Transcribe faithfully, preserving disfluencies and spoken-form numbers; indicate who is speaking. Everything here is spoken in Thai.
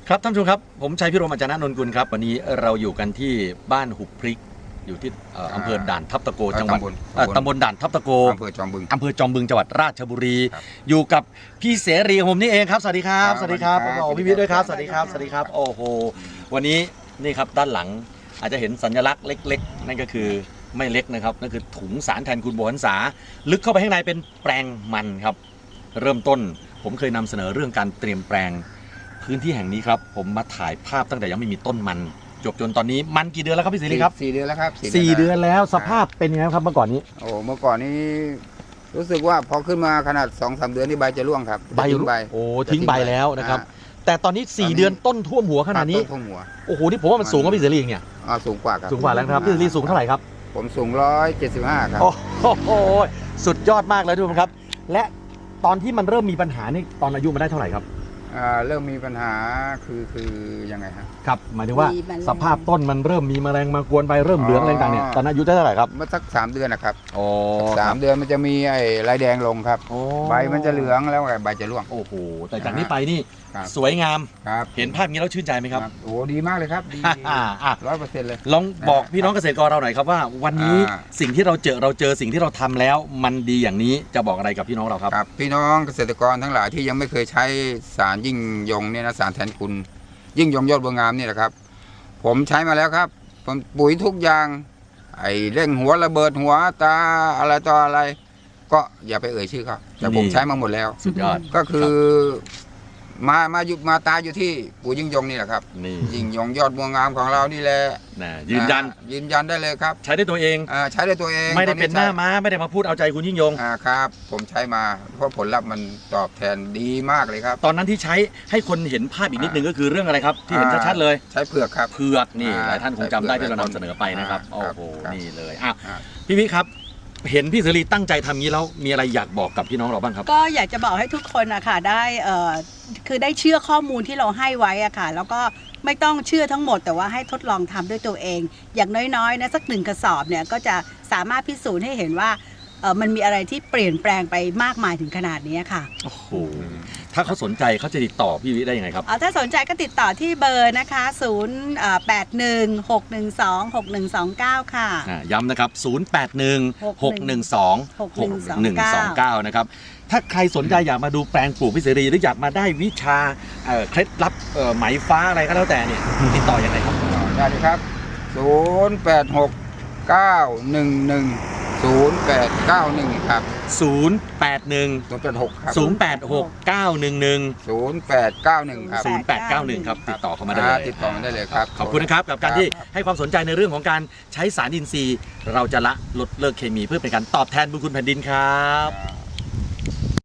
Speaker 1: ครับท่านผู้ชมครับผมชัยพิรมอาจารย์นนท์กุลครับวันนี้เราอยู่กันที่บ้านหุบพริกอยู่ที่อำเภอด่านทับตะโกจังหวัดตำบลด่านทับตะโก
Speaker 2: อำเภอจอมบึง
Speaker 1: อำเภอจอมบึงจังหวัดราชบุรีอยู่กับพี่เสรีผมนี่เองครับสวัสดีครับสวัสดีครับโอ้พี่วิทย์ด้วยครับสวัสดีครับสวัสดีครับโอ้โหวันนี้นี่ครับด้านหลังอาจจะเห็นสัญลักษณ์เล็กๆนั่นก็คือไม่เล็กนะครับนั่นคือถุงสารแทนคุณโบวรรษาลึกเข้าไปข้างในเป็นแปลงมันครับเริ่มต้นผมเคยนำเสนอเรื่องการเตรียมแปลงพื้นที่แห่งนี้ครับผมมาถ่ายภาพตั้งแต่ยังไม่มีต้นมันจบจนตอนนี้มันกี่เดือนแล้วครับพี่สิริครับ
Speaker 2: สี่เดือนแล้วครับ
Speaker 1: สี่เดือนแล้วสภาพเป็นยังไงครับเมื่อก่อนนี้
Speaker 2: โอ้เมื่อก่อนนี้รู้สึกว่าพอขึ้นมาขนาดสองสามเดือนที่ใบจะร่วงครับ
Speaker 1: ใบใบโอ้ทิ้งใบแล้วนะครับแต่ตอนนี้สี่เดือนต้นท่วมหัวขนาดนี้
Speaker 2: ท่วมหัว
Speaker 1: โอ้โหนี่ผมว่ามันสูงกว่าพี่สิริเนี่ย
Speaker 2: อ๋อสูงกว่าครับ
Speaker 1: สูงกว่าแล้วครับพี่สิริสูงเท่าไหร่ครับ
Speaker 2: ผมสูงร้อยเจ็ดสิบห้าครับ
Speaker 1: โอ้โหสุดยอดมากเลยทุกคนครับและตอนที่มันเริ่มมีปัญหานี่ตอนอายุมันได้เท่าไหร่ครับ
Speaker 2: เริ่มมีปัญหาคือคือยังไงครับ
Speaker 1: ครับหมายถึงว่าสภาพต้นมันเริ่มมีแมลงมากวนไปเริ่มเหลืองอะไรต่างเนี่ยตอนอายุได้เท่าไหร่ครับ
Speaker 2: เมื่อสักสามเดือนนะครับ
Speaker 1: โอ้
Speaker 2: สามเดือนมันจะมีไอ้ลายแดงลงครับใบมันจะเหลืองแล้วใบจะร่วง
Speaker 1: โอ้โหแต่จากนี้ไปนี่สวยงามเห็นภาพนี้แล้วชื่นใจไหมครับ
Speaker 2: โอ้ดีมากเลยครับดีร้อยเปอร์เซ็นต์เลย
Speaker 1: ลองบอกพี่น้องเกษตรกรเราหน่อยครับว่าวันนี้สิ่งที่เราเจอเราเจอสิ่งที่เราทำแล้วมันดีอย่างนี้จะบอกอะไรกับพี่น้องเราครับ
Speaker 2: ครับพี่น้องเกษตรกรทั้งหลายที่ยังไม่เคยใช้สารยิ่งยงเนี่ยนะสารแทนคุณยิ่งยงยอดบัวงามนี่แหละครับผมใช้มาแล้วครับผมปุ๋ยทุกอย่างไอ้เร่งหัวระเบิดหัวตาอะไรต่ออะไรก็อย่าไปเอ่ยชื่อครับแต่ผมใช้มาหมดแล้ว
Speaker 1: สุดยอด
Speaker 2: ก็คือมามาอยู่มาตายอยู่ที่ปุ๋ยยิ่งยงนี่แหละครับยิ่งยงยอดบัวงามของเรานี่แหละ
Speaker 1: ยืนยัน
Speaker 2: ยืนยันได้เลยครับ
Speaker 1: ใช้ได้ตัวเอง
Speaker 2: ใช้ได้ตัวเอง
Speaker 1: ไม่ได้เป็นหน้าม้าไม่ได้มาพูดเอาใจคุณยิ่งยง
Speaker 2: ครับผมใช้มาเพราะผลลัพธ์มันตอบแทนดีมากเลยครับ
Speaker 1: ตอนนั้นที่ใช้ให้คนเห็นภาพอีกนิดนึงก็คือเรื่องอะไรครับที่เห็นชัดๆเลย
Speaker 2: ใช้เผือกครับ
Speaker 1: เผือกนี่หลายท่านคงจำได้ที่เรานำเสนอไปนะครับโอ้โหนี่เลยอ่ะพี่วิครับเห็นพี่เสรีตั้งใจทำงี้แล้วมีอะไรอยากบอกกับพี่น้องเราบ้างครับ
Speaker 3: ก็อยากจะบอกให้ทุกคนอะค่ะได้เอ่อคือได้เชื่อข้อมูลที่เราให้ไว้อะค่ะแล้วก็ไม่ต้องเชื่อทั้งหมดแต่ว่าให้ทดลองทำด้วยตัวเองอย่างน้อยๆนะสักหนึ่งกระสอบเนี่ยก็จะสามารถพิสูจน์ให้เห็นว่าเออมันมีอะไรที่เปลี่ยนแปลงไปมากมายถึงขนาดนี้ค่ะ
Speaker 1: โอ้โหถ้าเขาสนใจเขาจะติดต่อพี่วิได้ยังไงครับ
Speaker 3: ถ้าสนใจก็ติดต่อที่เบอร์นะคะศูนย์แปดหนึ่งหกหนึ่งสองหกหนึ่งสองเก้าค่ะ
Speaker 1: ย้ำนะครับศูนย์แปดหนึ่งหกหนึ่งสองหกหนึ่งสองเก้านะครับถ้าใครสนใจอยากมาดูแปลงปลูกพี่เสรีหรืออยากมาได้วิชาเคล็ดลับไหมฟ้าอะไรก็แล้วแต่เนี่ยติดต่อยังไงครับ
Speaker 2: ได้เลยครับศูนย์แปดหกเก้าหนึ่งหนึ่งศูนย์แปดเก้าหนึ่งครับ
Speaker 1: ศูนย์แปดหนึ่ง
Speaker 2: ศูนย์แปดหกครับ
Speaker 1: ศูนย์แปดหกเก้าหนึ่งหนึ่ง
Speaker 2: ศูนย์แปดเก้าหนึ่งครับ
Speaker 1: ศูนย์แปดเก้าหนึ่งครับติดต่อเข้ามาได้เลย
Speaker 2: ติดต่อมาได้เลยครับ
Speaker 1: ขอบคุณนะครับกับการที่ให้ความสนใจในเรื่องของการใช้สารอินทรีย์เราจะละลดเลิกเคมีเพื่อเป็นการตอบแทนบุญคุณแผ่นดินครับ